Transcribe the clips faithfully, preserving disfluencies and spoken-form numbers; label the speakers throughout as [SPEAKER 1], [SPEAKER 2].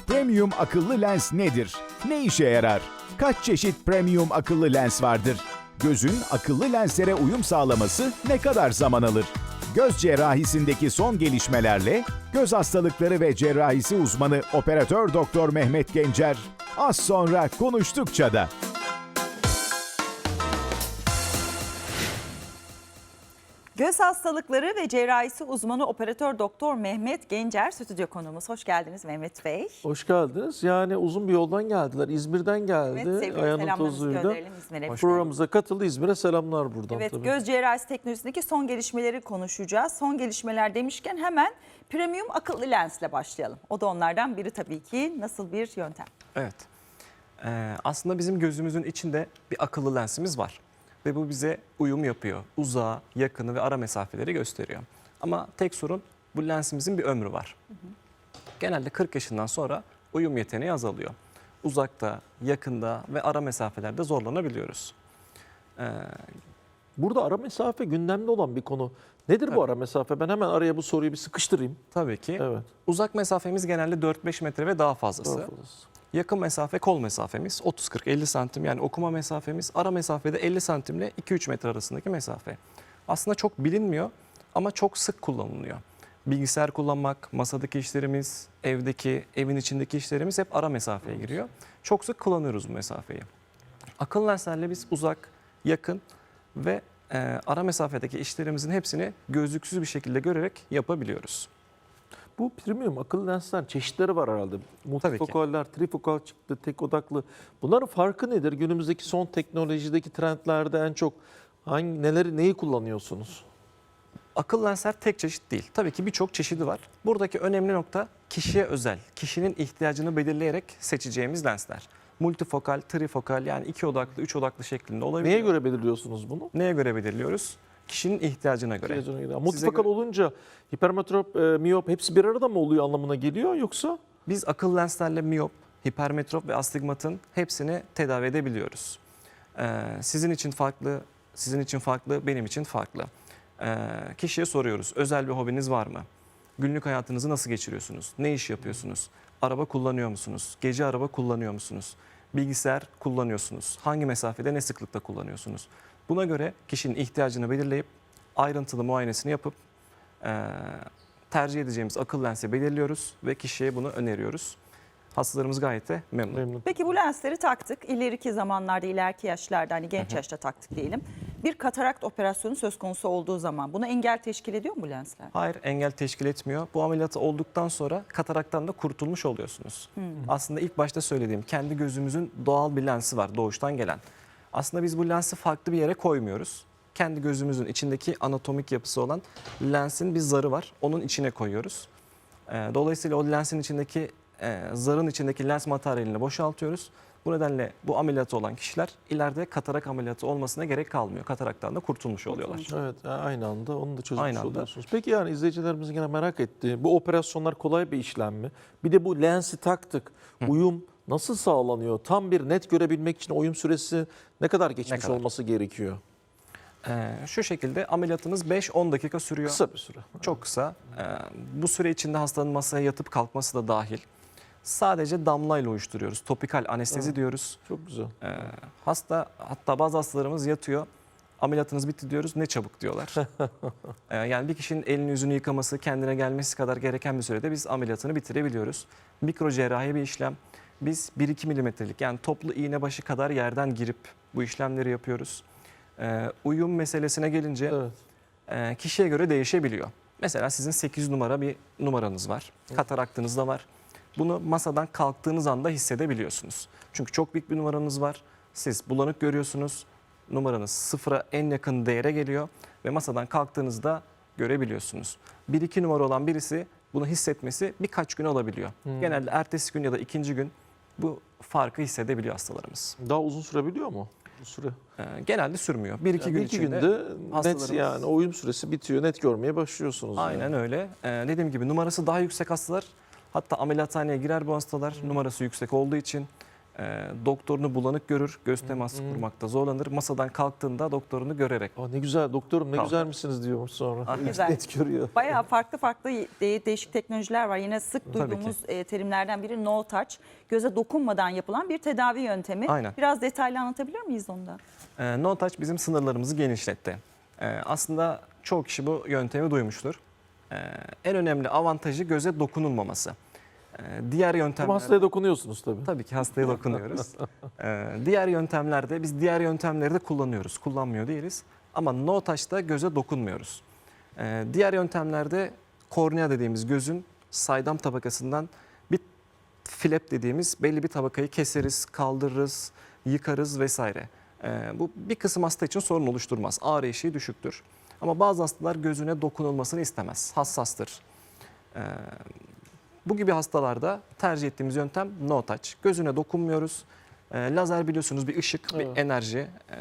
[SPEAKER 1] Premium akıllı lens nedir? Ne işe yarar? Kaç çeşit premium akıllı lens vardır? Gözün akıllı lenslere uyum sağlaması ne kadar zaman alır? Göz cerrahisindeki son gelişmelerle göz hastalıkları ve cerrahisi uzmanı operatör doktor Mehmet Gencer az sonra konuştukça da.
[SPEAKER 2] Göz hastalıkları ve cerrahisi uzmanı operatör doktor Mehmet Gencer stüdyo konuğumuz. Hoş geldiniz Mehmet Bey.
[SPEAKER 3] Hoş geldiniz. Yani uzun bir yoldan geldiler. İzmir'den geldi.
[SPEAKER 2] Evet, sevgili
[SPEAKER 3] Ayağının
[SPEAKER 2] selamlarımızı
[SPEAKER 3] tozuyla.
[SPEAKER 2] gönderelim İzmir'e.
[SPEAKER 3] Programımıza katıldı. İzmir'e selamlar buradan.
[SPEAKER 2] Evet,
[SPEAKER 3] tabii.
[SPEAKER 2] göz cerrahisi teknolojisindeki son gelişmeleri konuşacağız. Son gelişmeler demişken hemen premium akıllı lensle başlayalım. O da onlardan biri tabii ki. Nasıl bir yöntem?
[SPEAKER 4] Evet. Ee, aslında bizim gözümüzün içinde bir akıllı lensimiz var. Ve bu bize uyum yapıyor. Uzağı, yakını ve ara mesafeleri gösteriyor. Ama tek sorun bu lensimizin bir ömrü var. Hı hı. Genelde kırk yaşından sonra uyum yeteneği azalıyor. Uzakta, yakında ve ara mesafelerde zorlanabiliyoruz. Ee,
[SPEAKER 3] Burada ara mesafe gündemde olan bir konu. Nedir
[SPEAKER 4] Tabii.
[SPEAKER 3] bu ara mesafe? Ben hemen araya bu soruyu bir sıkıştırayım.
[SPEAKER 4] tabii ki.
[SPEAKER 3] Evet.
[SPEAKER 4] Uzak mesafemiz genelde dört beş metre ve daha fazlası.
[SPEAKER 3] Daha fazlası.
[SPEAKER 4] Yakın mesafe kol mesafemiz otuz kırk elli santim, yani okuma mesafemiz. Ara mesafede elli santimle iki üç metre arasındaki mesafe. Aslında çok bilinmiyor ama çok sık kullanılıyor. Bilgisayar kullanmak, masadaki işlerimiz, evdeki, evin içindeki işlerimiz hep ara mesafeye giriyor. Çok sık kullanıyoruz bu mesafeyi. Akıllı lenslerle biz uzak, yakın ve e, ara mesafedeki işlerimizin hepsini gözlüksüz bir şekilde görerek yapabiliyoruz.
[SPEAKER 3] Bu premium akıllı lensler çeşitleri var herhalde. Multifokaller, trifokal çıktı, tek odaklı. Bunların farkı nedir? Günümüzdeki son teknolojideki trendlerde en çok hangi neleri neyi kullanıyorsunuz?
[SPEAKER 4] Akıllı lensler tek çeşit değil. Tabii ki birçok çeşidi var. Buradaki önemli nokta kişiye özel, kişinin ihtiyacını belirleyerek seçeceğimiz lensler. Multifokal, trifokal, yani iki odaklı, üç odaklı şeklinde olabiliyor.
[SPEAKER 3] Neye göre belirliyorsunuz bunu?
[SPEAKER 4] Neye göre belirliyoruz? Kişinin ihtiyacına göre.
[SPEAKER 3] İhtiyacına göre.
[SPEAKER 4] Size
[SPEAKER 3] Multifokal
[SPEAKER 4] göre-
[SPEAKER 3] olunca hipermetrop, e, miyop hepsi bir arada mı oluyor anlamına geliyor yoksa?
[SPEAKER 4] Biz akıllı lenslerle miyop, hipermetrop ve astigmatın hepsini tedavi edebiliyoruz. Ee, sizin için farklı, sizin için farklı, benim için farklı. Ee, kişiye soruyoruz. Özel bir hobiniz var mı? Günlük hayatınızı nasıl geçiriyorsunuz? Ne iş yapıyorsunuz? Araba kullanıyor musunuz? Gece araba kullanıyor musunuz? Bilgisayar kullanıyorsunuz? Hangi mesafede, ne sıklıkta kullanıyorsunuz? Buna göre kişinin ihtiyacını belirleyip ayrıntılı muayenesini yapıp e, tercih edeceğimiz akıllı lensi belirliyoruz ve kişiye bunu öneriyoruz. Hastalarımız gayet de memnun.
[SPEAKER 3] Memnun.
[SPEAKER 2] Peki bu lensleri taktık. İleriki zamanlarda, ileriki yaşlarda, hani genç yaşta taktık diyelim. Bir katarakt operasyonu söz konusu olduğu zaman buna engel teşkil ediyor mu bu lensler?
[SPEAKER 4] Hayır, engel teşkil etmiyor. Bu ameliyatı olduktan sonra kataraktan da kurtulmuş oluyorsunuz. Aslında ilk başta söylediğim kendi gözümüzün doğal bir lensi var, doğuştan gelen. Aslında biz bu lensi farklı bir yere koymuyoruz. Kendi gözümüzün içindeki anatomik yapısı olan lensin bir zarı var. Onun içine koyuyoruz. Ee, Dolayısıyla o lensin içindeki, e, zarın içindeki lens materyalini boşaltıyoruz. Bu nedenle bu ameliyatı olan kişiler ileride katarak ameliyatı olmasına gerek kalmıyor. Kataraktan da kurtulmuş oluyorlar.
[SPEAKER 3] Evet, aynı anda onu da çözmüş
[SPEAKER 4] Aynı anda.
[SPEAKER 3] oluyorsunuz. Peki yani izleyicilerimizin gene merak ettiği bu operasyonlar kolay bir işlem mi? Bir de bu lensi taktık. Uyum nasıl sağlanıyor? Tam bir net görebilmek için uyum süresi ne kadar geçmiş
[SPEAKER 4] kadar?
[SPEAKER 3] olması gerekiyor?
[SPEAKER 4] Ee, şu şekilde ameliyatımız beş on dakika sürüyor.
[SPEAKER 3] Kısa bir süre.
[SPEAKER 4] Çok kısa. Ee, bu süre içinde hastanın masaya yatıp kalkması da dahil. Sadece damlayla uyuşturuyoruz. Topikal anestezi
[SPEAKER 3] Evet.
[SPEAKER 4] diyoruz.
[SPEAKER 3] Çok güzel.
[SPEAKER 4] Ee, hasta, hatta bazı hastalarımız yatıyor. Ameliyatınız bitti diyoruz. Ne çabuk diyorlar. Ee, yani bir kişinin elini yüzünü yıkaması, kendine gelmesi kadar gereken bir sürede biz ameliyatını bitirebiliyoruz. Mikro cerrahi bir işlem. Biz bir iki milimetrelik, yani toplu iğne başı kadar yerden girip bu işlemleri yapıyoruz. Ee, uyum meselesine gelince
[SPEAKER 3] Evet.
[SPEAKER 4] e, kişiye göre değişebiliyor. Mesela sizin sekiz numara bir numaranız var. Kataraktınız da var. Bunu masadan kalktığınız anda hissedebiliyorsunuz. Çünkü çok büyük bir numaranız var. Siz bulanık görüyorsunuz. Numaranız sıfıra en yakın değere geliyor ve masadan kalktığınızda görebiliyorsunuz. bir iki numara olan birisi bunu hissetmesi birkaç gün alabiliyor.
[SPEAKER 3] Hmm.
[SPEAKER 4] Genelde ertesi gün ya da ikinci gün bu farkı hissedebiliyor hastalarımız.
[SPEAKER 3] Daha uzun sürebiliyor mu? Bu süre.
[SPEAKER 4] Ee, genelde sürmüyor. bir iki
[SPEAKER 3] Yani
[SPEAKER 4] gün
[SPEAKER 3] bir iki
[SPEAKER 4] içinde
[SPEAKER 3] günde net
[SPEAKER 4] hastalarımız-
[SPEAKER 3] yani o uyum süresi bitiyor. Net görmeye başlıyorsunuz.
[SPEAKER 4] Aynen
[SPEAKER 3] yani.
[SPEAKER 4] öyle. Ee, dediğim gibi numarası daha yüksek hastalar, hatta ameliyathaneye girer bu hastalar numarası yüksek olduğu için E, doktorunu bulanık görür, göz teması kurmakta zorlanır. Masadan kalktığında doktorunu görerek.
[SPEAKER 3] Aa, ne güzel doktorum ne
[SPEAKER 4] Tamam.
[SPEAKER 3] güzel misiniz diyormuş sonra.
[SPEAKER 4] Ah,
[SPEAKER 2] güzel.
[SPEAKER 3] Net görüyor.
[SPEAKER 2] Bayağı farklı farklı de- değişik teknolojiler var. Yine sık
[SPEAKER 4] Tabii
[SPEAKER 2] duyduğumuz e, terimlerden biri no touch. Göze dokunmadan yapılan bir tedavi yöntemi.
[SPEAKER 4] Aynen.
[SPEAKER 2] Biraz detaylı anlatabilir miyiz onu da?
[SPEAKER 4] E, no touch bizim sınırlarımızı genişletti. E, aslında çoğu kişi bu yöntemi duymuştur. E, en önemli avantajı göze dokunulmaması. E, diğer
[SPEAKER 3] Ama
[SPEAKER 4] yöntemler...
[SPEAKER 3] hastaya dokunuyorsunuz tabii.
[SPEAKER 4] Tabii ki hastaya dokunuyoruz. Ee, diğer yöntemlerde biz diğer yöntemleri de kullanıyoruz. Kullanmıyor değiliz. Ama no touch'ta göze dokunmuyoruz. Ee, diğer yöntemlerde kornea dediğimiz gözün saydam tabakasından bir flap dediğimiz belli bir tabakayı keseriz, kaldırırız, yıkarız vesaire. Ee, bu bir kısım hasta için sorun oluşturmaz. Ağrı eşiği düşüktür. Ama bazı hastalar gözüne dokunulmasını istemez. Hassastır. Ee, Bu gibi hastalarda tercih ettiğimiz yöntem no touch. Gözüne dokunmuyoruz. E, lazer biliyorsunuz bir ışık,
[SPEAKER 3] Evet.
[SPEAKER 4] bir enerji. E,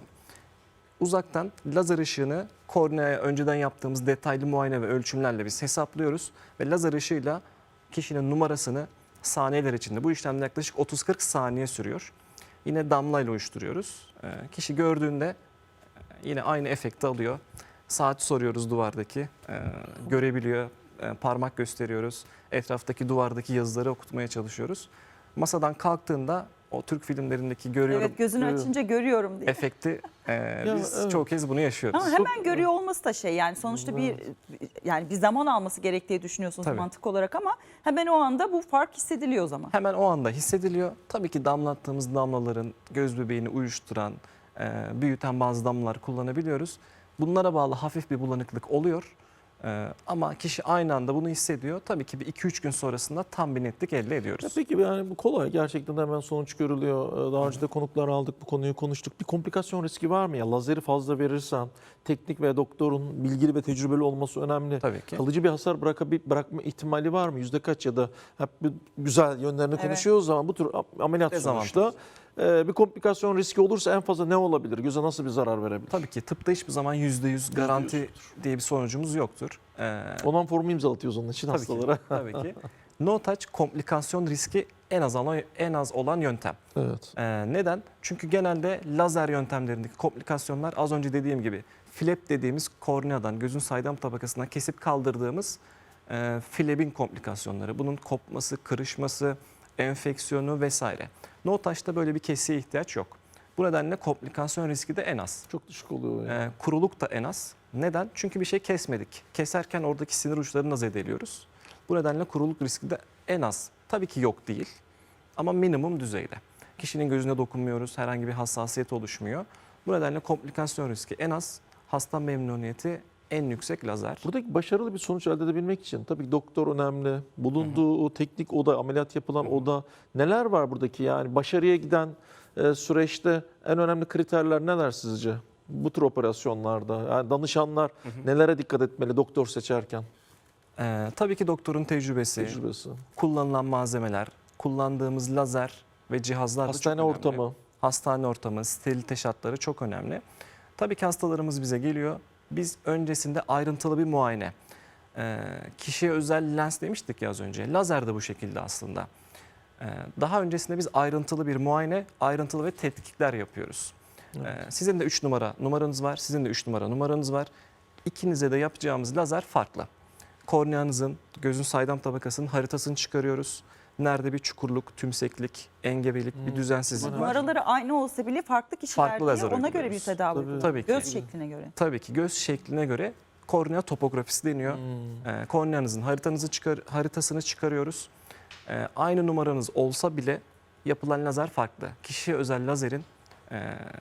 [SPEAKER 4] uzaktan lazer ışığını korneaya önceden yaptığımız detaylı muayene ve ölçümlerle biz hesaplıyoruz. Ve lazer ışığıyla kişinin numarasını saniyeler içinde, bu işlemde yaklaşık otuz kırk saniye sürüyor. Yine damlayla uyuşturuyoruz. E, kişi gördüğünde e, yine aynı efekti alıyor. Saati soruyoruz duvardaki, e, görebiliyor. E, parmak gösteriyoruz. Etraftaki duvardaki yazıları okutmaya çalışıyoruz. Masadan kalktığında o Türk filmlerindeki görüyorum
[SPEAKER 2] Evet, gözünü
[SPEAKER 3] görüyorum.
[SPEAKER 2] açınca görüyorum diye.
[SPEAKER 4] efekti e, biz
[SPEAKER 3] evet.
[SPEAKER 4] çoğu kez bunu yaşıyoruz.
[SPEAKER 2] Ama hemen görüyor olması da şey, yani sonuçta bir yani bir zaman alması gerektiği düşünüyorsunuz
[SPEAKER 4] Tabii.
[SPEAKER 2] mantık olarak, ama hemen o anda bu fark hissediliyor o zaman.
[SPEAKER 4] Hemen o anda hissediliyor. Tabii ki damlattığımız damlaların göz bebeğini uyuşturan, e, büyüten bazı damlalar kullanabiliyoruz. Bunlara bağlı hafif bir bulanıklık oluyor. E, ama kişi aynı anda bunu hissediyor. Tabii ki bir iki üç gün sonrasında tam bir netlik elde
[SPEAKER 3] Ya
[SPEAKER 4] ediyoruz.
[SPEAKER 3] peki yani bu kolay gerçekten hemen sonuç görülüyor. Daha önce de konuklar aldık, bu konuyu konuştuk. Bir komplikasyon riski var mı ya? Lazeri fazla verirsen teknik ve doktorun bilgili ve tecrübeli olması önemli.
[SPEAKER 4] Tabii ki.
[SPEAKER 3] Kalıcı bir hasar bırakabil, bırakma ihtimali var mı? Yüzde kaç, ya da hep bir güzel yönlerini
[SPEAKER 2] Evet.
[SPEAKER 3] konuşuyoruz ama bu tür ameliyat
[SPEAKER 4] Dezavantaj.
[SPEAKER 3] sonuçta e, bir komplikasyon riski olursa en fazla ne olabilir? Göze nasıl bir zarar verebilir?
[SPEAKER 4] Tabii ki tıpta hiçbir zaman yüzde yüz garanti diye bir sonucumuz yoktur. E,
[SPEAKER 3] Ondan formu imzalatıyoruz onun için
[SPEAKER 4] Tabii
[SPEAKER 3] hastalara.
[SPEAKER 4] ki. Tabii ki. No touch komplikasyon riski en az olan, en az olan yöntem.
[SPEAKER 3] Evet.
[SPEAKER 4] Ee, neden? Çünkü genelde lazer yöntemlerindeki komplikasyonlar az önce dediğim gibi flap dediğimiz korneadan, gözün saydam tabakasından kesip kaldırdığımız e, flap'in komplikasyonları. Bunun kopması, kırışması, enfeksiyonu vesaire. No touch'ta böyle bir kesiye ihtiyaç yok. Bu nedenle komplikasyon riski de en az.
[SPEAKER 3] Çok düşük oluyor yani.
[SPEAKER 4] Ee, kuruluk da en az. Neden? Çünkü bir şey kesmedik. Keserken oradaki sinir uçlarını da zedeliyoruz. Bu nedenle kuruluk riski de en az. Tabii ki yok değil ama minimum düzeyde. Kişinin gözüne dokunmuyoruz, herhangi bir hassasiyet oluşmuyor. Bu nedenle komplikasyon riski en az, hasta memnuniyeti en yüksek lazer.
[SPEAKER 3] Buradaki başarılı bir sonuç elde edebilmek için tabii ki doktor önemli. Bulunduğu o teknik oda, ameliyat yapılan oda, neler var buradaki, yani başarıya giden e, süreçte en önemli kriterler neler sizce? Bu tür operasyonlarda yani danışanlar nelere dikkat etmeli doktor seçerken?
[SPEAKER 4] Ee, tabii ki doktorun tecrübesi,
[SPEAKER 3] Tecrübesi.
[SPEAKER 4] kullanılan malzemeler, kullandığımız lazer ve cihazlar da
[SPEAKER 3] Hastane
[SPEAKER 4] çok önemli.
[SPEAKER 3] ortamı.
[SPEAKER 4] Hastane ortamı, sterilite şartları çok önemli. Tabii ki hastalarımız bize geliyor. Biz öncesinde ayrıntılı bir muayene. Ee, kişiye özel lens demiştik ya az önce. Lazer de bu şekilde aslında. Ee, daha öncesinde biz ayrıntılı bir muayene, ayrıntılı ve tetkikler yapıyoruz. Ee, sizin de üç numara numaranız var, sizin de üç numara numaranız var. İkinize de yapacağımız lazer farklı. Korneanızın, gözün saydam tabakasının haritasını çıkarıyoruz. Nerede bir çukurluk, tümseklik, engebelik, bir düzensizlik var.
[SPEAKER 2] Numaraları aynı olsa bile farklı kişiler
[SPEAKER 4] Farklı
[SPEAKER 2] diye
[SPEAKER 4] lazer
[SPEAKER 2] ona göre bir
[SPEAKER 4] uyguluyoruz.
[SPEAKER 2] tedavi
[SPEAKER 3] Tabii.
[SPEAKER 2] uyguluyor.
[SPEAKER 4] Tabii ki.
[SPEAKER 2] Göz şekline göre.
[SPEAKER 4] Tabii ki göz şekline göre kornea topografisi deniyor. Ee, korneanızın haritanızı çıkar, haritasını çıkarıyoruz. Ee, aynı numaranız olsa bile yapılan lazer farklı. Kişiye özel lazerin e,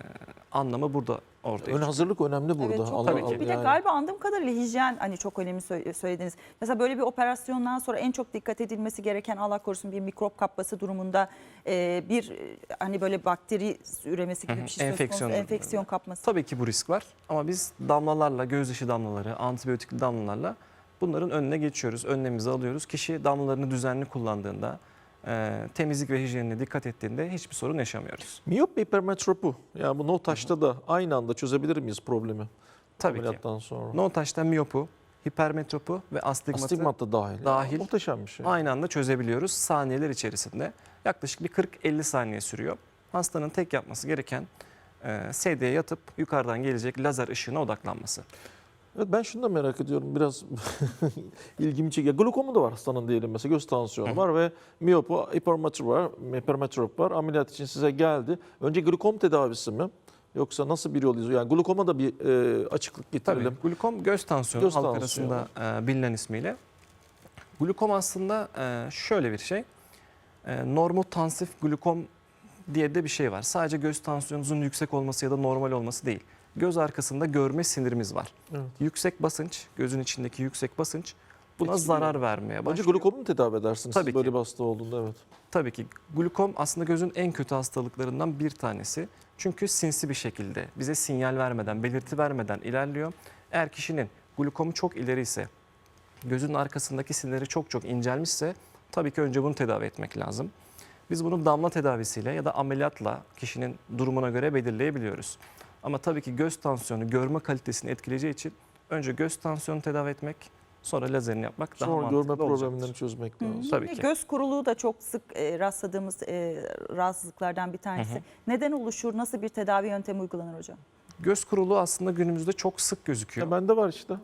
[SPEAKER 4] anlamı burada ortaya
[SPEAKER 3] Ön
[SPEAKER 4] çıkıyor.
[SPEAKER 3] hazırlık önemli burada.
[SPEAKER 2] Evet, çok
[SPEAKER 3] Allah-
[SPEAKER 4] Tabii ki.
[SPEAKER 2] önemli. Bir de
[SPEAKER 3] yani.
[SPEAKER 2] galiba anladığım kadarıyla hijyen hani çok önemli sö- söylediniz. Mesela böyle bir operasyondan sonra en çok dikkat edilmesi gereken, Allah korusun bir mikrop kapması durumunda e, bir e, hani böyle bakteri üremesi gibi
[SPEAKER 4] Hı hı,
[SPEAKER 2] bir şey söz
[SPEAKER 4] enfeksiyon
[SPEAKER 2] konusu,
[SPEAKER 4] durumunda.
[SPEAKER 2] enfeksiyon kapması.
[SPEAKER 4] Tabii ki bu risk var ama biz damlalarla, gözyaşı damlaları, antibiyotikli damlalarla bunların önüne geçiyoruz, önlemimizi alıyoruz. Kişi damlalarını düzenli kullandığında, e, temizlik ve hijyenine dikkat ettiğinde hiçbir sorun yaşamıyoruz.
[SPEAKER 3] Miyop ve hipermetropu. Yani bu no touch'ta da aynı anda çözebilir miyiz problemi?
[SPEAKER 4] Tabii ki.
[SPEAKER 3] Ameliyattan sonra.
[SPEAKER 4] No touch'ta miyopu hipermetropu ve astigmatı
[SPEAKER 3] Astigmat da dahil.
[SPEAKER 4] dahil.
[SPEAKER 3] Muhteşem bir şey.
[SPEAKER 4] aynı anda çözebiliyoruz saniyeler içerisinde. Yaklaşık bir kırk elli saniye sürüyor. Hastanın tek yapması gereken e, sedyeye yatıp yukarıdan gelecek lazer ışığına odaklanması.
[SPEAKER 3] Evet, ben şunu da merak ediyorum, biraz ilgimi çekiyor. Glokomu da var hastanın diyelim, mesela göz tansiyonu var ve miyopu, hipermetrop var, hipermetrop var. Ameliyat için size geldi. Önce glokom tedavisi mi? Yoksa nasıl bir yol izliyor? Yani glukoma da bir e, açıklık getirelim.
[SPEAKER 4] Tabii glukom göz tansiyonu
[SPEAKER 3] Göz
[SPEAKER 4] halk
[SPEAKER 3] tansiyonu.
[SPEAKER 4] arasında e, bilinen ismiyle. Glukom aslında e, şöyle bir şey. E, normotansif glukom diye de bir şey var. Sadece göz tansiyonunuzun yüksek olması ya da normal olması değil. Göz arkasında görme sinirimiz var.
[SPEAKER 3] Evet.
[SPEAKER 4] Yüksek basınç, gözün içindeki yüksek basınç buna
[SPEAKER 3] Etkiliyor.
[SPEAKER 4] zarar vermeye
[SPEAKER 3] Önce
[SPEAKER 4] başlıyor.
[SPEAKER 3] glukomu mu tedavi edersiniz
[SPEAKER 4] Tabii
[SPEAKER 3] siz
[SPEAKER 4] ki.
[SPEAKER 3] böyle bir hasta olduğunda? Evet.
[SPEAKER 4] Tabii ki glukom aslında gözün en kötü hastalıklarından bir tanesi. Çünkü sinsi bir şekilde bize sinyal vermeden, belirti vermeden ilerliyor. Eğer kişinin glukomu çok ileri ise, gözün arkasındaki sinirleri çok çok incelmişse tabii ki önce bunu tedavi etmek lazım. Biz bunu damla tedavisiyle ya da ameliyatla kişinin durumuna göre belirleyebiliyoruz. Ama tabii ki göz tansiyonu görme kalitesini etkileyeceği için önce göz tansiyonu tedavi etmek, sonra lazerini yapmak daha
[SPEAKER 3] Sonra
[SPEAKER 4] mantıklı
[SPEAKER 3] görme
[SPEAKER 4] olacaktır.
[SPEAKER 3] problemlerini çözmek lazım.
[SPEAKER 4] Tabii
[SPEAKER 2] Yine
[SPEAKER 4] ki.
[SPEAKER 2] göz kuruluğu da çok sık e, rastladığımız e, rahatsızlıklardan bir tanesi.
[SPEAKER 4] Hı hı.
[SPEAKER 2] Neden oluşur? Nasıl bir tedavi yöntemi uygulanır hocam?
[SPEAKER 4] Göz kuruluğu aslında günümüzde çok sık gözüküyor.
[SPEAKER 3] Ya bende var işte.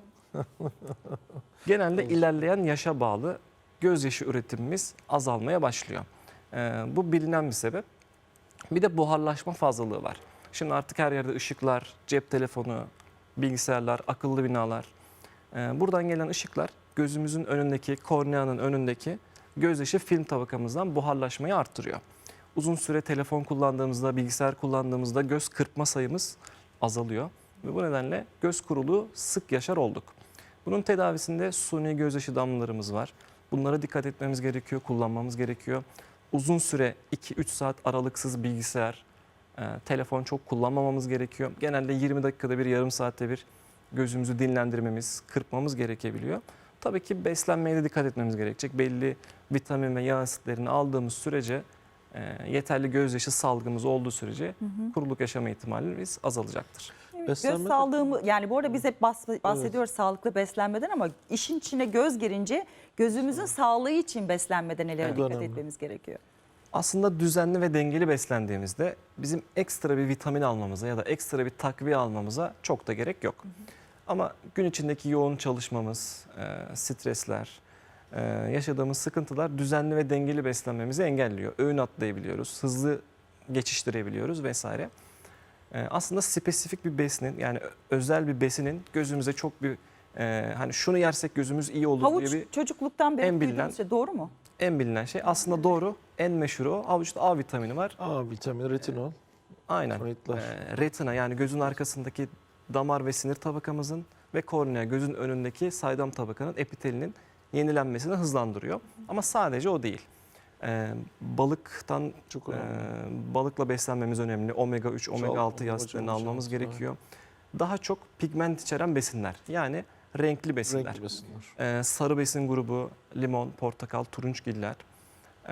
[SPEAKER 4] Genelde ilerleyen yaşa bağlı gözyaşı üretimimiz azalmaya başlıyor. Ee, bu bilinen bir sebep. Bir de buharlaşma fazlalığı var. Şimdi artık her yerde ışıklar, cep telefonu, bilgisayarlar, akıllı binalar. Ee, buradan gelen ışıklar gözümüzün önündeki, korneanın önündeki gözyaşı film tabakamızdan buharlaşmayı arttırıyor. Uzun süre telefon kullandığımızda, bilgisayar kullandığımızda göz kırpma sayımız azalıyor. Ve bu nedenle göz kuruluğu sık yaşar olduk. Bunun tedavisinde suni gözyaşı damlalarımız var. Bunlara dikkat etmemiz gerekiyor, kullanmamız gerekiyor. Uzun süre iki üç saat aralıksız bilgisayar, e, telefon çok kullanmamamız gerekiyor. Genelde yirmi dakikada bir, yarım saatte bir gözümüzü dinlendirmemiz, kırpmamız gerekebiliyor. Tabii ki beslenmeye de dikkat etmemiz gerekecek. Belli vitamin ve yağ asitlerini aldığımız sürece, e, yeterli gözyaşı salgımız olduğu sürece kuruluk yaşama ihtimalimiz azalacaktır.
[SPEAKER 3] Beslenme
[SPEAKER 2] Göz
[SPEAKER 3] de-
[SPEAKER 2] sağlığımı, yani bu arada biz hep bahs- bahsediyoruz sağlıklı beslenmeden ama işin içine göz girince gözümüzün sağlığı için beslenmede nelere
[SPEAKER 4] Evet.
[SPEAKER 2] dikkat
[SPEAKER 3] Önemli.
[SPEAKER 2] etmemiz gerekiyor?
[SPEAKER 4] Aslında düzenli ve dengeli beslendiğimizde bizim ekstra bir vitamin almamıza ya da ekstra bir takviye almamıza çok da gerek yok. Ama gün içindeki yoğun çalışmamız, e, stresler, e, yaşadığımız sıkıntılar düzenli ve dengeli beslenmemizi engelliyor. Öğün atlayabiliyoruz, hızlı geçiştirebiliyoruz vesaire. E, aslında spesifik bir besinin, yani ö- özel bir besinin gözümüze çok bir e, hani şunu yersek gözümüz iyi olur
[SPEAKER 2] Havuç
[SPEAKER 4] diye bir
[SPEAKER 2] çocukluktan beri
[SPEAKER 4] en bilinen-
[SPEAKER 2] duyduğumuz şey, doğru mu?
[SPEAKER 4] en bilinen şey aslında doğru. En meşhuru o. Havuçta A vitamini var.
[SPEAKER 3] A vitamini, retinol,
[SPEAKER 4] Aynen.
[SPEAKER 3] faytlar.
[SPEAKER 4] Ee, retina, yani gözün arkasındaki damar ve sinir tabakamızın ve kornea, gözün önündeki saydam tabakanın epitelinin yenilenmesini hızlandırıyor. Ama sadece o değil. Ee, balıktan
[SPEAKER 3] Çok
[SPEAKER 4] e,
[SPEAKER 3] önemli.
[SPEAKER 4] balıkla beslenmemiz önemli. omega üç, omega
[SPEAKER 3] Çok-
[SPEAKER 4] altı yağ
[SPEAKER 3] hocam,
[SPEAKER 4] almamız
[SPEAKER 3] hocam,
[SPEAKER 4] gerekiyor. Daha çok pigment içeren besinler. Yani renkli besinler.
[SPEAKER 3] Renkli besinler.
[SPEAKER 4] Ee, sarı besin grubu limon, portakal, turunçgiller. Ee,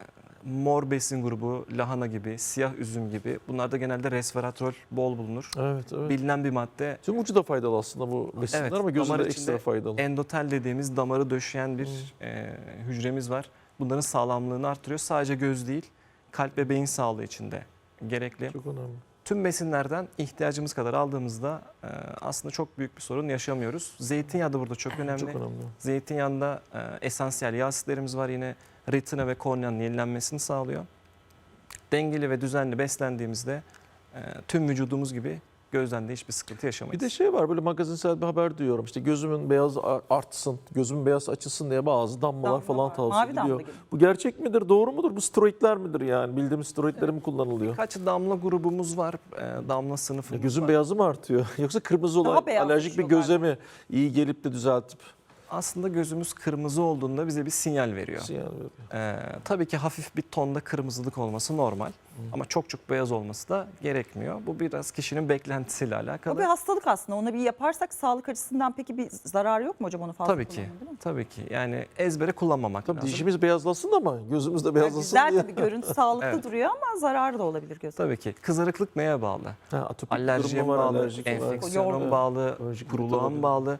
[SPEAKER 4] mor besin grubu lahana gibi, siyah üzüm gibi. Bunlarda genelde resveratrol bol bulunur.
[SPEAKER 3] Evet, evet.
[SPEAKER 4] Bilinen bir madde.
[SPEAKER 3] Tüm ucu da faydalı aslında bu besinler
[SPEAKER 4] Evet,
[SPEAKER 3] ama gözü
[SPEAKER 4] damar
[SPEAKER 3] de
[SPEAKER 4] içinde
[SPEAKER 3] ekstra faydalı.
[SPEAKER 4] Endotel dediğimiz damarı döşeyen bir e, hücremiz var. Bunların sağlamlığını artırıyor. Sadece göz değil, kalp ve beyin sağlığı için de gerekli.
[SPEAKER 3] Çok önemli.
[SPEAKER 4] Tüm besinlerden ihtiyacımız kadar aldığımızda e, aslında çok büyük bir sorun yaşamıyoruz. Zeytinyağı da burada çok önemli.
[SPEAKER 3] Çok önemli.
[SPEAKER 4] Zeytinyağında e, esansiyel yağ asitlerimiz var, yine retina ve korneanın yenilenmesini sağlıyor. Dengeli ve düzenli beslendiğimizde e, tüm vücudumuz gibi gözden de hiçbir sıkıntı yaşamayız.
[SPEAKER 3] Bir de şey var, böyle magazinsel bir haber duyuyorum. İşte gözümün beyazı artsın, gözümün beyaz açılsın diye bazı damlalar
[SPEAKER 2] Damla
[SPEAKER 3] falan
[SPEAKER 2] var,
[SPEAKER 3] tavsiye
[SPEAKER 2] mavi damla
[SPEAKER 3] ediliyor.
[SPEAKER 2] gibi.
[SPEAKER 3] Bu gerçek midir, doğru mudur? Bu steroidler midir yani? Bildiğimiz steroidler mi kullanılıyor?
[SPEAKER 4] Birkaç damla grubumuz var, e, damla
[SPEAKER 3] Ya
[SPEAKER 4] sınıfımız
[SPEAKER 3] gözün
[SPEAKER 4] var.
[SPEAKER 3] beyazı mı artıyor? Yoksa kırmızı
[SPEAKER 2] Daha
[SPEAKER 3] olan
[SPEAKER 2] beyaz
[SPEAKER 3] alerjik bir
[SPEAKER 2] düşüyorlar.
[SPEAKER 3] göze mi iyi gelip de düzeltip
[SPEAKER 4] Aslında gözümüz kırmızı olduğunda bize bir sinyal veriyor.
[SPEAKER 3] sinyal veriyor?
[SPEAKER 4] E, tabii ki hafif bir tonda kırmızılık olması normal. Ama çok çok beyaz olması da gerekmiyor. Bu biraz kişinin beklentisiyle
[SPEAKER 2] O bir
[SPEAKER 4] alakalı.
[SPEAKER 2] hastalık aslında. Onu bir yaparsak sağlık açısından peki bir zararı yok mu hocam onu fazla
[SPEAKER 4] Tabii ki,
[SPEAKER 2] kullanmanın, değil mi?
[SPEAKER 4] tabii ki. Yani ezbere kullanmamak
[SPEAKER 3] Tabii
[SPEAKER 4] lazım.
[SPEAKER 3] dişimiz beyazlasın ama gözümüz de
[SPEAKER 2] Yani
[SPEAKER 3] beyazlasın
[SPEAKER 2] güzel
[SPEAKER 3] diye.
[SPEAKER 2] tabii, görüntü sağlıklı
[SPEAKER 4] Evet.
[SPEAKER 2] duruyor ama zararı da olabilir göze.
[SPEAKER 4] Tabii ki. Kızarıklık neye bağlı?
[SPEAKER 3] Ha, atopik
[SPEAKER 4] Alerjiye mi
[SPEAKER 3] durumu var,
[SPEAKER 4] bağlı,
[SPEAKER 3] alerjik var.
[SPEAKER 4] enfeksiyona mı
[SPEAKER 2] Yorgun.
[SPEAKER 4] bağlı,
[SPEAKER 3] Alerjik
[SPEAKER 4] kuruluğa mı
[SPEAKER 3] olabilir.
[SPEAKER 4] bağlı?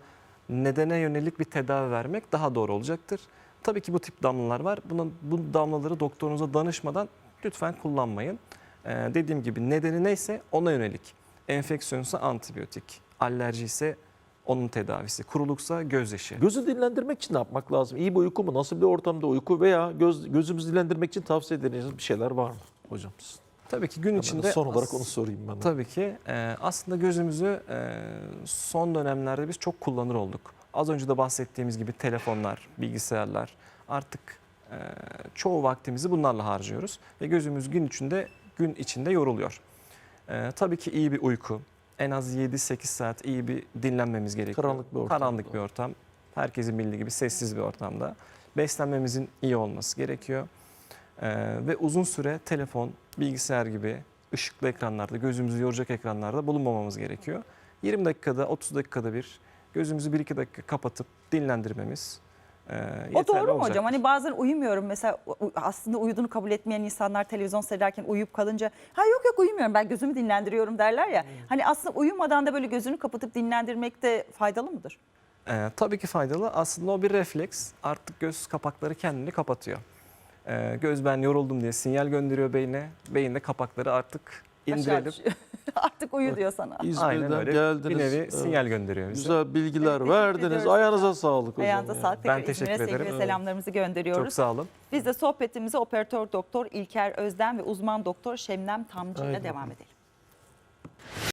[SPEAKER 4] nedene yönelik bir tedavi vermek daha doğru olacaktır. Tabii ki bu tip damlalar var. Buna, bu damlaları doktorunuza danışmadan lütfen kullanmayın. Ee, dediğim gibi nedeni neyse ona yönelik. Enfeksiyonsa antibiyotik, alerji ise onun tedavisi, kuruluksa gözyaşı.
[SPEAKER 3] Gözü dinlendirmek için ne yapmak lazım? İyi bir uyku mu? Nasıl bir ortamda uyku veya göz, gözümüzü dinlendirmek için tavsiye edeceğiniz bir şeyler var mı hocam?
[SPEAKER 4] Tabii ki gün
[SPEAKER 3] Hemen
[SPEAKER 4] içinde
[SPEAKER 3] son olarak onu sorayım ben de.
[SPEAKER 4] Tabii ki e, aslında gözümüzü e, son dönemlerde biz çok kullanır olduk. Az önce de bahsettiğimiz gibi telefonlar, bilgisayarlar artık e, çoğu vaktimizi bunlarla harcıyoruz ve gözümüz gün içinde gün içinde yoruluyor. E, tabii ki iyi bir uyku, en az yedi sekiz saat iyi bir dinlenmemiz gerekiyor.
[SPEAKER 3] Karanlık bir ortam.
[SPEAKER 4] Karanlık bir ortam. Herkesin bildiği gibi sessiz bir ortamda. Beslenmemizin iyi olması gerekiyor. Ee, ve uzun süre telefon, bilgisayar gibi ışıklı ekranlarda, gözümüzü yoracak ekranlarda bulunmamamız gerekiyor. yirmi dakikada, otuz dakikada bir gözümüzü bir iki dakika kapatıp dinlendirmemiz e, yeterli
[SPEAKER 2] O doğru mu
[SPEAKER 4] olacaktır.
[SPEAKER 2] hocam? Hani bazen uyumuyorum mesela, u- aslında uyuduğunu kabul etmeyen insanlar televizyon seyrederken uyuyup kalınca ha yok yok uyumuyorum ben gözümü dinlendiriyorum derler ya. Hani aslında uyumadan da böyle gözünü kapatıp dinlendirmek de faydalı mıdır?
[SPEAKER 4] Ee, tabii ki faydalı. Aslında o bir refleks. Artık göz kapakları kendini kapatıyor. Ee, göz ben yoruldum diye sinyal gönderiyor beyne. Beyin de kapakları artık
[SPEAKER 2] Aşağı
[SPEAKER 4] indirelim.
[SPEAKER 2] düşüyor. Artık uyu diyor sana.
[SPEAKER 4] Aynen
[SPEAKER 3] İzmir'den
[SPEAKER 4] öyle.
[SPEAKER 3] geldiniz.
[SPEAKER 4] Bir nevi
[SPEAKER 3] Evet.
[SPEAKER 4] sinyal gönderiyor bize.
[SPEAKER 3] Güzel bilgiler
[SPEAKER 2] Evet, teşekkür
[SPEAKER 3] verdiniz.
[SPEAKER 2] ediyoruz.
[SPEAKER 3] Ayağınıza sağlık hocam.
[SPEAKER 2] Ayağınıza
[SPEAKER 3] ya.
[SPEAKER 2] sağlık.
[SPEAKER 4] Ben
[SPEAKER 2] Tekrar
[SPEAKER 4] teşekkür
[SPEAKER 2] İzmir'e sevgi
[SPEAKER 4] ederim.
[SPEAKER 2] ve selamlarımızı gönderiyoruz.
[SPEAKER 4] Çok sağ olun.
[SPEAKER 2] Biz de sohbetimize operatör doktor İlker Özden ve uzman doktor Şebnem Tamcı ile
[SPEAKER 3] Aynen.
[SPEAKER 2] devam edelim.